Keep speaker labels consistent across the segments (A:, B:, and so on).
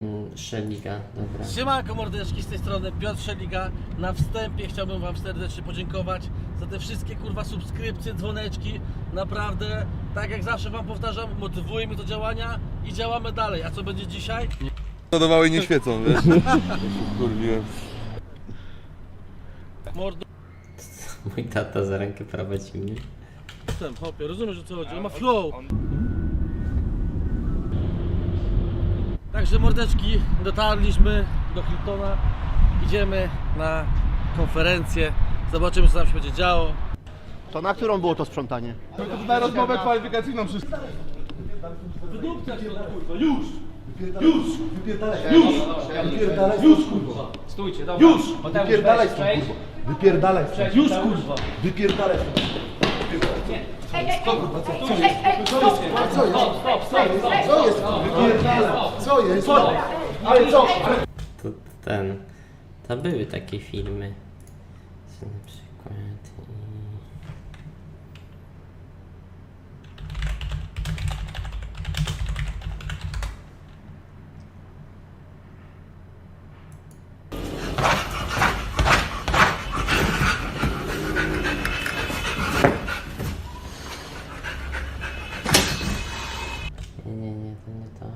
A: Szeliga, dobra.
B: Siemanko mordeczki, z tej strony Piotr Szeliga. Na wstępie chciałbym wam serdecznie podziękować za te wszystkie kurwa subskrypcje, dzwoneczki. Naprawdę, tak jak zawsze wam powtarzam, motywuje mnie do działania i działamy dalej. A co będzie dzisiaj?
C: Ładowały nie świecą, wiesz? Kurwiłem.
B: Mordo...
A: Mój tata za rękę prowadzi mnie.
B: Hopie, rozumiesz o co chodzi? On ma flow. Także mordeczki, dotarliśmy do Hiltona. Idziemy na konferencję. Zobaczymy, co tam się będzie działo.
D: To na którą było to sprzątanie?
C: Na rozmowę kwalifikacyjną wszystko.
B: Wydupcać to kurwa, już!
E: Już kurwa! Stójcie, dobra.
B: Już!
E: Wypierdalaj stąd kurwa!
C: Wypierdalaj.
B: Już kurwa!
C: Wypierdalaj.
D: Co jest?
A: To ten... To były takie filmy. Co na przykład... Nie, to nie to.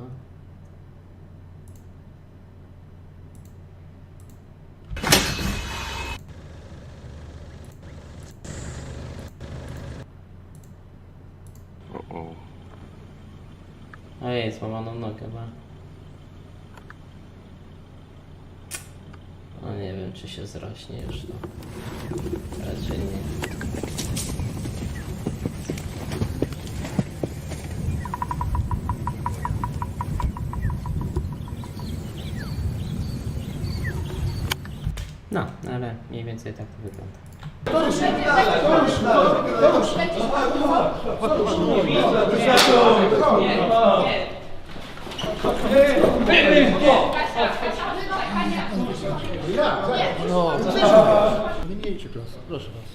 A: Ojej, złamaną nogę ma. No nie wiem, czy się zrośnie już to. Raczej nie. No, ale mniej więcej tak to wygląda.
D: Wymienicie klasę, proszę was.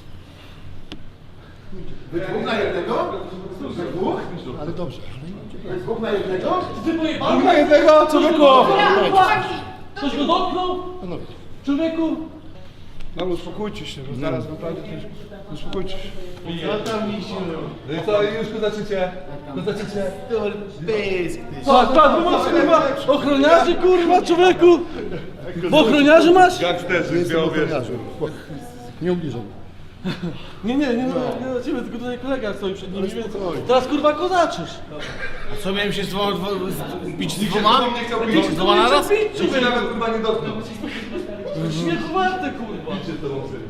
C: Dwóch na jednego? Dwóch?
D: Ale dobrze.
C: Dwóch na jednego?
B: Dwóch
C: na jednego, człowieku!
B: Ktoś go dotknął?
D: Panowie.
B: Człowieku?
C: No uspokójcie się, bo zaraz naprawdę też... Uspokójcie się. No i co, już zaczniecie? Zaczniecie?
B: Patrz, masz kurwa ochroniarzy kurwa człowieku! Bo ochroniarzy masz?
C: Gangsterzy,
D: Jestem
C: białowiesz.
D: ochroniarzem. Nie ubliżam.
B: Nie na ciebie, tylko tutaj kolega stoi przed nimi, więc teraz kurwa kozaczysz.
C: Co miałem się bić z dwoma? Nie chciał bić z dwoma naraz? Czy się nawet kurwa nie dotknął?
B: Śmiechu warte kurwa.
C: Idźcie z tobą syny.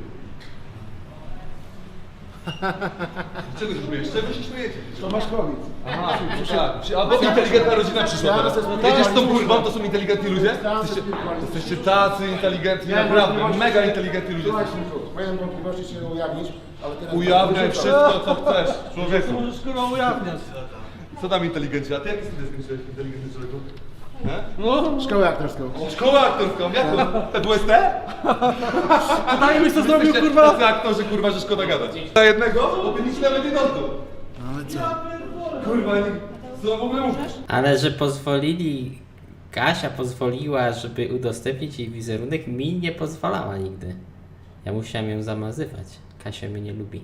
C: Czego się śmiejesz? Czego się śmiejecie?
D: Tomaszkowic.
C: A bo inteligentna rodzina przyszła teraz. Jedziesz z tą kurwą, to są inteligentni ludzie? Jesteście tacy inteligentni, naprawdę, mega inteligentni ludzie.
D: Moją wątpliwości się ujawnić, ale teraz...
C: Ujawniaj wszystko, co chcesz,
B: To
C: człowieku.
B: możesz kurwa ujawniać.
C: Co tam inteligenci? A ty jakie studia skończyłeś, inteligentny człowieku?
B: No,
D: Szkołę aktorską.
C: Szkołę aktorską, jaką? PWST?
B: pytanie byś co zrobił
C: Jesteście
B: kurwa?
C: tacy aktorzy, kurwa, że szkoda gadać. Za jednego? Bo by nic nawet nie dotknął.
D: Ale co?
C: Kurwa, co w ogóle mówisz?
A: Ale że pozwolili... Kasia pozwoliła, żeby udostępnić jej wizerunek, mi nie pozwalała nigdy. Ja musiałem ją zamazywać. Kasia mnie nie lubi.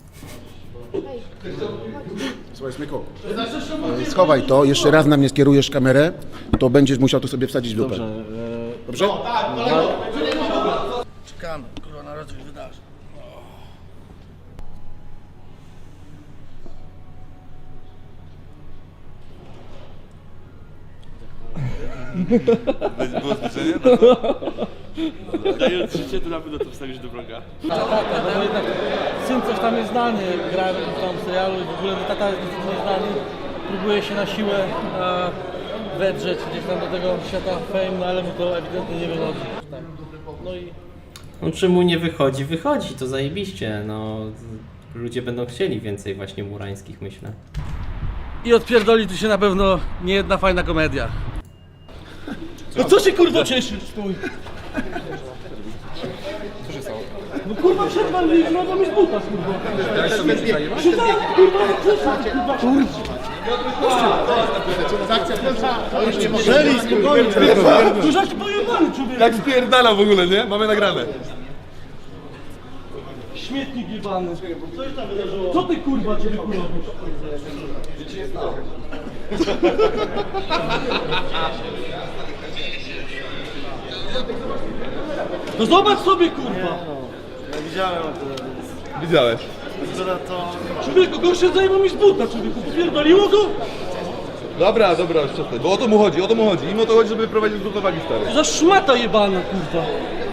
D: Słuchaj, Smyku. Schowaj to, jeszcze raz na mnie skierujesz kamerę, to będziesz musiał to sobie wsadzić w dupę. Dobrze?
B: Czekamy, kurwa, na razie się wydarzy.
C: Było zbliżenie?
F: Dając życie, to na pewno to wstawisz do vloga.
B: Tata, bo jednak syn coś tam jest znany, gra w tam serialu i w ogóle tata jest niestety nieznany. Próbuje się na siłę wedrzeć gdzieś tam do tego świata fame, no ale mu to ewidentnie nie wychodzi. No i
A: No czy mu nie wychodzi? Wychodzi, to zajebiście. No, ludzie będą chcieli więcej właśnie murańskich, myślę.
B: I odpierdoli tu się na pewno nie jedna fajna komedia. No co się kurwa cieszysz? Stój! Co się stało? No kurwa przed pan no to mi z buta kurwa. Kurwa, kurwa. Tu żeś pojebany, człowiek.
C: Jak spierdala w ogóle, nie? Mamy nagrane.
B: Śmietnik jebany. Co się tam wydarzyło? Co ty kurwa ciebie robisz? No zobacz sobie kurwa!
C: Widziałeś.
B: Człowieku, gorsze zajmą mi z buta, człowieku, popierdoliło go?
C: Dobra, już przestań, bo o to mu chodzi. Im o to chodzi, żeby prowadzić z równowagi, stary.
B: Za szmata jebana kurwa.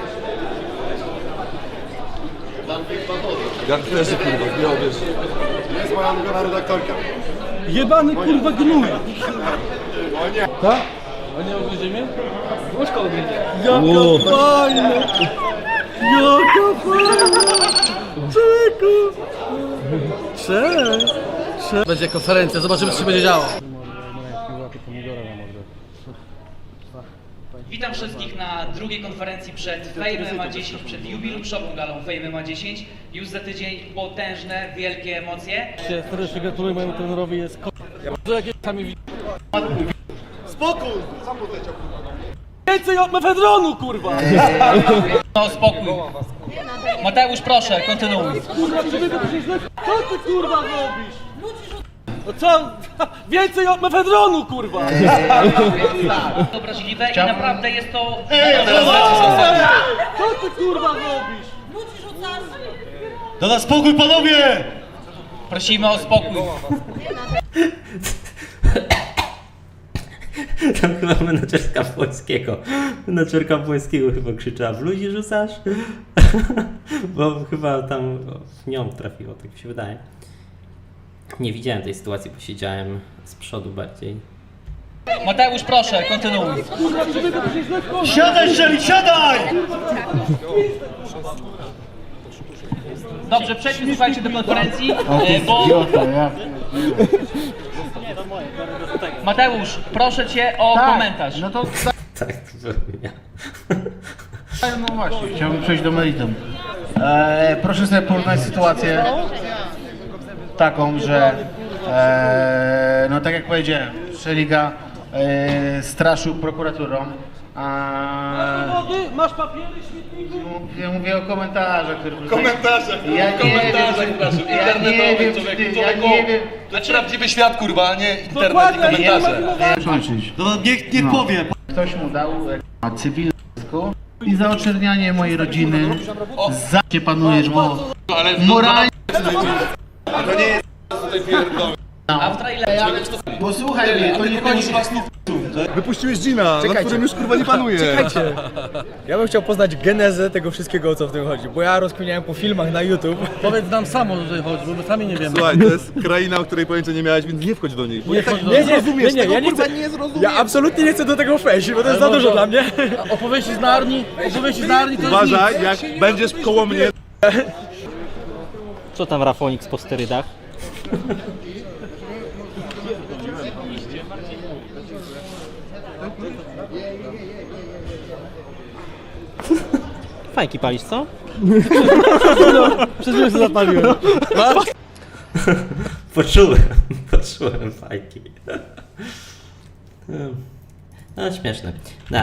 C: Gangsterzy, kurwa, nie wiesz.
D: Jest moja ulubiona redaktorka.
B: Jebany kurwa gnój. Tak? A nie ogryziemy?
E: Łóżko ogryzie.
B: Jaka fajna! Jaka fajna! Człowieku! Cześć! Będzie konferencja, zobaczymy co się będzie działo.
G: Witam wszystkich na drugiej konferencji przed Fame MMA 10, przed jubileuszową galą Fame MMA 10. Już za tydzień potężne, wielkie emocje.
B: Serdecznie gratuluję mojemu trenerowi, jest że jakieś sami widzi. Spokój! Więcej od mefedronu, kurwa!
G: No spokój. Mateusz, proszę, kontynuuj.
B: Kurwa, człowieku, to się źle... Co ty kurwa robisz? No co? Więcej od mefedronu, kurwa!
G: Obraźliwe i naprawdę jest to...
B: Co ty kurwa robisz?
H: Dada spokój, panowie!
G: Prosimy o spokój.
A: Tam chyba menadżerka Płońskiego chyba krzyczała: w ludzi rzucasz? Bo chyba tam w nią trafiło, tak mi się wydaje. Nie widziałem tej sytuacji, bo siedziałem z przodu bardziej.
G: Mateusz, proszę, kontynuuj.
B: Kurwa, człowieku, to się źle...
H: Siadaj, Shelly, siadaj!
G: Dobrze, przejdźmy, słuchajcie, do konferencji, bo... Mateusz, proszę cię o komentarz.
I: No to
A: Tak, to byłem ja.
I: no właśnie, chciałbym przejść do meritum. Proszę sobie porównać sytuację taką, że no tak jak powiedziałem, Szeliga straszył prokuraturą.
B: Wody? Masz papiery, śmietniku?
I: Ja mówię o komentarzach, które...
C: Komentarzach, proszę, internetowych, człowieku, to jest prawdziwy świat, kurwa, a nie internet i komentarze.
H: Niech powie.
I: Ktoś mu dał cywilną i za oczernianie mojej rodziny za cię panujesz, bo moralnie...
G: A w trailerze...
I: Bo słuchaj mnie, to nie chodzi...
C: Wypuściłeś Gina, na którym już kurwa nie panuje.
J: Ja bym chciał poznać genezę tego wszystkiego, o co w tym chodzi, bo ja rozkminiałem po filmach na YouTube.
B: Powiedz nam samo, że tutaj chodzi, bo my sami nie wiemy.
C: Słuchaj, to jest kraina, o której pojęcia nie miałeś, więc nie wchodź do niej. Bo
B: Nie wchodź do
C: nie
B: niej.
C: zrozumiesz
J: nie,
C: tego,
J: ja nie
C: kurwa,
J: chcę-
C: nie zrozumiesz.
J: Ja absolutnie nie chcę do tego wejść, bo to jest za dużo dla mnie.
B: Opowieści z Narni to jest
C: Uważaj, jak będziesz koło mnie.
E: Co tam Rafonik po sterydach? Fajki palisz, co?
B: Przez chwilę się zapaliłem.
A: Poczułem fajki. No, śmieszne.